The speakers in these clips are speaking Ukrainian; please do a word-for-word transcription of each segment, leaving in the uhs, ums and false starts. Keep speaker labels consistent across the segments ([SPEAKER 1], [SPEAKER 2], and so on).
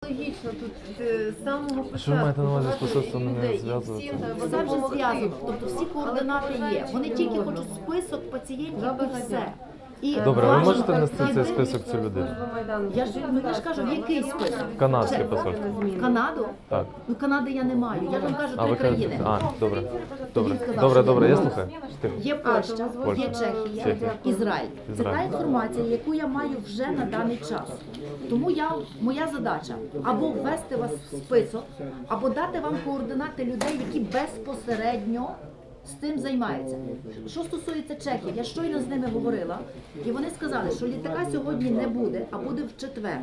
[SPEAKER 1] логічно тут е, з самого початку.
[SPEAKER 2] Що ви маєте на увазі з
[SPEAKER 1] багато
[SPEAKER 2] посольством не
[SPEAKER 1] людей, і
[SPEAKER 2] зв'язуватися?
[SPEAKER 1] всім треба
[SPEAKER 3] Це вже
[SPEAKER 1] допомогти.
[SPEAKER 3] зв'язок, тобто всі координати є. Вони тільки хочуть список пацієнтів і все. І
[SPEAKER 2] Добре, ви
[SPEAKER 3] важливо-
[SPEAKER 2] можете внести цей список цю людину?
[SPEAKER 3] Я ж, ну, я ж кажу, в який список?
[SPEAKER 2] Канадське
[SPEAKER 3] Це-
[SPEAKER 2] посольство.
[SPEAKER 3] В Канаду?
[SPEAKER 2] Так.
[SPEAKER 3] Ну, Канади я не маю. Я вам кажу
[SPEAKER 2] А
[SPEAKER 3] три
[SPEAKER 2] ви кажете,
[SPEAKER 3] країни.
[SPEAKER 2] а, добре. Добре.
[SPEAKER 3] Він сказав,
[SPEAKER 2] Добре,
[SPEAKER 3] що
[SPEAKER 2] добре,
[SPEAKER 3] є.
[SPEAKER 2] я слухаю. Тихо.
[SPEAKER 3] Є Польща,
[SPEAKER 2] Польща.
[SPEAKER 3] є Чехія,
[SPEAKER 2] Чехія.
[SPEAKER 3] Ізраїль. Це та
[SPEAKER 2] Ізраїль.
[SPEAKER 3] інформація, яку я маю вже на даний час. Тому я, моя задача або ввести вас в список, або дати вам координати людей, які безпосередньо з тим займаються. Що стосується чехів, я щойно з ними говорила, і вони сказали, що літака сьогодні не буде, а буде в четвер.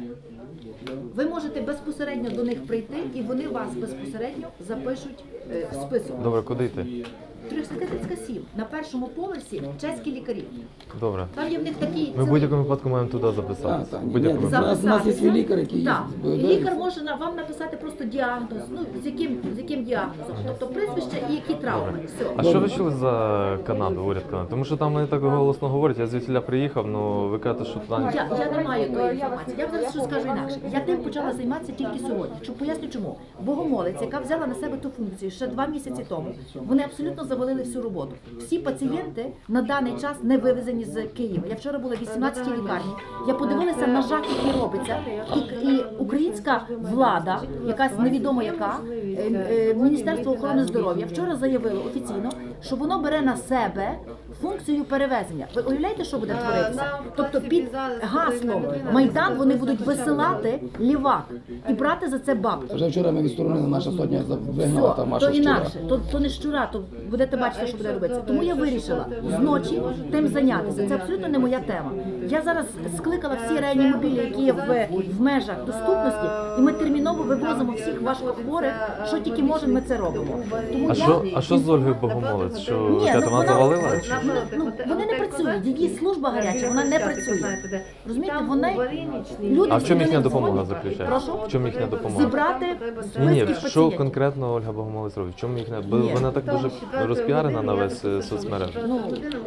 [SPEAKER 3] Ви можете безпосередньо до них прийти, і вони вас безпосередньо запишуть е, в список.
[SPEAKER 2] Добре, куди йти?
[SPEAKER 3] тридцять сім. На першому поверсі чеські лікарі.
[SPEAKER 2] Добре.
[SPEAKER 3] Там є в них такі...
[SPEAKER 2] Ми в будь-якому випадку маємо туди записатися.
[SPEAKER 4] Так,
[SPEAKER 2] В
[SPEAKER 4] так.
[SPEAKER 2] будь-якому
[SPEAKER 4] Ні,
[SPEAKER 2] випадку.
[SPEAKER 4] У нас- у нас є лікар, який
[SPEAKER 3] Так. І
[SPEAKER 4] є.
[SPEAKER 3] лікар може на- вам написати просто діагноз, ну, з яким, з яким діагнозом, тобто прізвище і які травми. Все.
[SPEAKER 2] А що ви чули за Канаду, уряд Канади? Тому що там вони так голосно говорять, я звідсіля приїхав, ну ви кажете, що там...
[SPEAKER 3] Я, я не маю тої інформації. Я зараз що скажу інакше. Я тим почала займатися тільки сьогодні. Що поясню чому. Богомолець, яка взяла на себе ту функцію ще два місяці тому, вони абсолютно завалили всю роботу. Всі пацієнти на даний час не вивезені з Києва. Я вчора була в вісімнадцятій лікарні. Я подивилася на жах, який робиться. І, і українська влада, якась невідомо яка, е, е, Міністерство охорони здоров'я вчора заявило офіційно, що воно бере на себе функцію перевезення. Ви уявляєте, що буде творитися? Тобто під гаслом Майдан вони будуть висилати лівак і брати за це бабки.
[SPEAKER 4] Вже вчора ми відсторонили, наша сотня вигнала там
[SPEAKER 3] То
[SPEAKER 4] Машу Щура.
[SPEAKER 3] інакше, то, то не щура, то будете бачити, що буде робитися. Тому я вирішила зночі тим зайнятися. Це абсолютно не моя тема. Я зараз скликала всі реанімобілі, які є в, в межах доступності, і ми терміново вивозимо всіх важкохворих, що тільки можемо, ми це робимо. Тому
[SPEAKER 2] А
[SPEAKER 3] я-
[SPEAKER 2] що, а що з Ольгою Богомолець? Що
[SPEAKER 3] Ні,
[SPEAKER 2] яка
[SPEAKER 3] ну,
[SPEAKER 2] вона
[SPEAKER 3] вона-
[SPEAKER 2] завалила? Чи?
[SPEAKER 3] Ну, ну, вони не працюють, її служба гаряча, вона не працює. Розумієте, вони люди
[SPEAKER 2] А в чому
[SPEAKER 3] всі
[SPEAKER 2] їхня
[SPEAKER 3] до них
[SPEAKER 2] допомога
[SPEAKER 3] дзвонять.
[SPEAKER 2] заключається?
[SPEAKER 3] Прошу?
[SPEAKER 2] В чому їхня допомога?
[SPEAKER 3] Зібрати
[SPEAKER 2] Ні, ні,
[SPEAKER 3] списки
[SPEAKER 2] що
[SPEAKER 3] пацієнтів.
[SPEAKER 2] конкретно Ольга Богомолець робить? В чому їхня? Бо
[SPEAKER 3] Ні.
[SPEAKER 2] вона так дуже розпіарена на весь е, соцмереж.
[SPEAKER 3] Ну,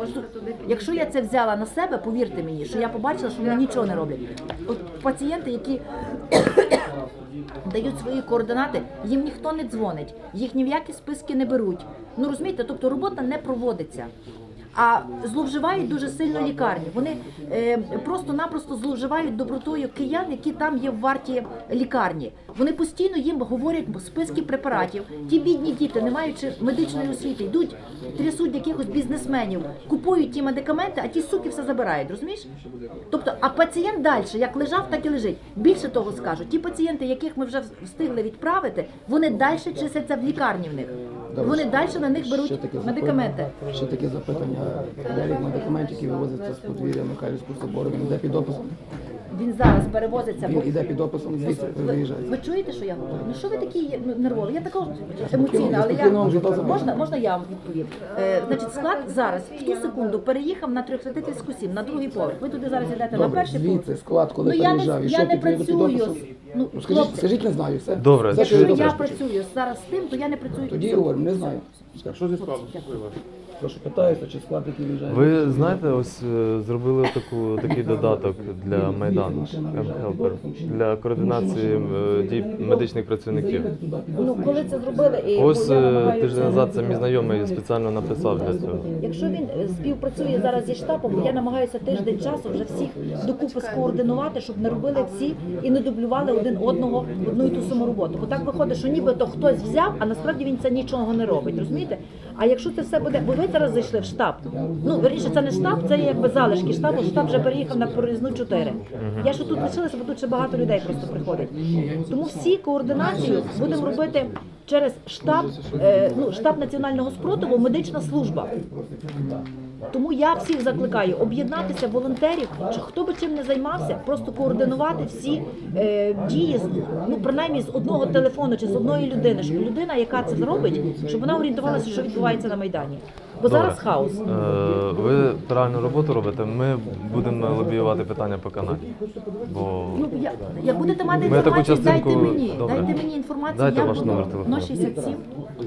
[SPEAKER 3] якщо я це взяла на себе, повірте мені, що я побачила, що вони нічого не роблять. От пацієнти, які дають свої координати, їм ніхто не дзвонить, їх ні в які списки не беруть. Ну розумієте, тобто робота не проводиться. А зловживають дуже сильно лікарні. Вони е, просто-напросто зловживають добротою киян, які там є в варті лікарні. Вони постійно їм говорять списки препаратів. Ті бідні діти, не маючи медичної освіти, йдуть, трясуть якихось бізнесменів, купують ті медикаменти, а ті суки все забирають, розумієш? Тобто, а пацієнт далі, як лежав, так і лежить. Більше того скажу, ті пацієнти, яких ми вже встигли відправити, вони далі числяться в лікарні в них. Вони далі на них
[SPEAKER 4] Ще
[SPEAKER 3] беруть
[SPEAKER 4] таке
[SPEAKER 3] медикаменти.
[SPEAKER 4] запитання- Ще таке запитання. Перелік медикаментів, які вивозяться з подвір'я Михайлівського собору, він йде під описом.
[SPEAKER 3] Він зараз перевозиться. бо-
[SPEAKER 4] Він йде під описом, звідси
[SPEAKER 3] Ви,
[SPEAKER 4] виїжджає.
[SPEAKER 3] ви чуєте, що я говорю? Ну що ви такі є, ну, нервові? Я така емоційна, але я
[SPEAKER 4] спокійно вам життя забрати.
[SPEAKER 3] можна, можна я вам відповім? Е, значить, склад зараз в ту секунду переїхав на трьохсотитівську сім, на другий поверх. Ви туди зараз йдете на
[SPEAKER 4] Добре,
[SPEAKER 3] перший поверх.
[SPEAKER 4] звідси склад, коли
[SPEAKER 3] Ну я не,
[SPEAKER 4] переїжджав, і
[SPEAKER 3] я
[SPEAKER 4] що
[SPEAKER 3] не
[SPEAKER 4] підтримує під
[SPEAKER 3] працюю.
[SPEAKER 4] описом?
[SPEAKER 3] Ну,
[SPEAKER 4] Ну, скажіть,
[SPEAKER 3] хлопці,
[SPEAKER 4] скажіть, не знаю, все.
[SPEAKER 2] Добре,
[SPEAKER 4] Все,
[SPEAKER 3] якщо
[SPEAKER 4] що
[SPEAKER 3] я
[SPEAKER 4] добре.
[SPEAKER 3] працюю зараз з тим, то я не працюю.
[SPEAKER 4] Тоді
[SPEAKER 3] з цим.
[SPEAKER 4] говоримо, не знаю.
[SPEAKER 5] Що зі складу?
[SPEAKER 4] Прошу, питаюся, чи склад, який виїжджає.
[SPEAKER 2] Ви знаєте, ось е, зробили таку такий додаток для Майдану М-Хелпер, для координації е, дій медичних працівників.
[SPEAKER 3] Ну, коли це зробили, і
[SPEAKER 2] Ось
[SPEAKER 3] бо я
[SPEAKER 2] е,
[SPEAKER 3] намагаюся-
[SPEAKER 2] тиждень назад це мій знайомий спеціально написав для цього.
[SPEAKER 3] Якщо він е, співпрацює зараз зі штабом, бо я намагаюся тиждень часу вже всіх докупи скоординувати, щоб не робили всі і не дублювали один одного одну і ту саму роботу. Бо так виходить, що нібито хтось взяв, а насправді він це нічого не робить, розумієте? А якщо це все буде, бо ви зараз зайшли в штаб. Ну, верніше, це не штаб, це якби залишки штабу. Штаб вже переїхав на проїзну чотири. Я ще тут лишилася, бо тут ще багато людей просто приходить. Тому всі координацію будемо робити через штаб, е, ну, штаб національного спротиву, медична служба. Тому я всіх закликаю об'єднатися, волонтерів, чи хто би чим не займався, просто координувати всі е, дії, з- ну принаймні з одного телефону чи з одної людини, щоб людина, яка це зробить, щоб вона орієнтувалася, що відбувається на Майдані. Бо
[SPEAKER 2] Добре.
[SPEAKER 3] зараз хаос.
[SPEAKER 2] Е, Ви правильну роботу робите, ми будемо лобіювати питання по Канаді. Бо
[SPEAKER 3] Ну, я, як будете мати
[SPEAKER 2] Ми таку
[SPEAKER 3] інформацію,
[SPEAKER 2] частинку-
[SPEAKER 3] дайте мені,
[SPEAKER 2] Добре.
[SPEAKER 3] дайте мені інформацію,
[SPEAKER 2] Дайте
[SPEAKER 3] я
[SPEAKER 2] ваш
[SPEAKER 3] буду
[SPEAKER 2] номер телефону.
[SPEAKER 3] нуль шістдесят сім.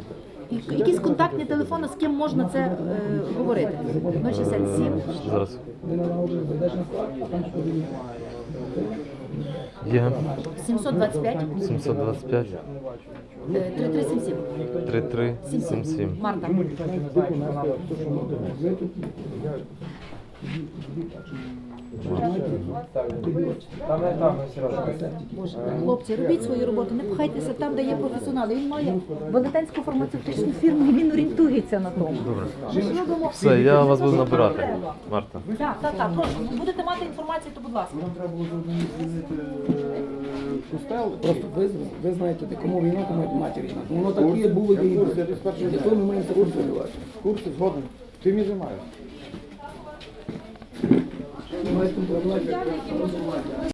[SPEAKER 3] І якісь контактні телефони, з ким можна це е, говорити. нуль шістдесят сім.
[SPEAKER 2] зараз.
[SPEAKER 4] Ти не наложив, зайдеш на склад, а там що
[SPEAKER 2] Є
[SPEAKER 3] сімсот двадцять п'ять
[SPEAKER 2] сімсот двадцять п'ять
[SPEAKER 3] три три сім сім.
[SPEAKER 2] три три сім сім.
[SPEAKER 3] Марта. Боже, хлопці, робіть свою роботу, не пхайтеся там, де є професіонали. Він має велетенську фармацевтичну фірму і він орієнтується на тому.
[SPEAKER 2] Добре.
[SPEAKER 3] Робимо.
[SPEAKER 2] Все, я вас буду набирати, Марта.
[SPEAKER 3] Так, так, так, прошу. Будете мати інформацію, то будь ласка.
[SPEAKER 4] Костел, просто ви, ви знаєте, де кому війна, кому матір війна. Тому воно так є, було і буде. Для того ми маємо це контролювати.
[SPEAKER 5] Курси згоден. Ти мені займаєш.
[SPEAKER 4] Маєте контролювати.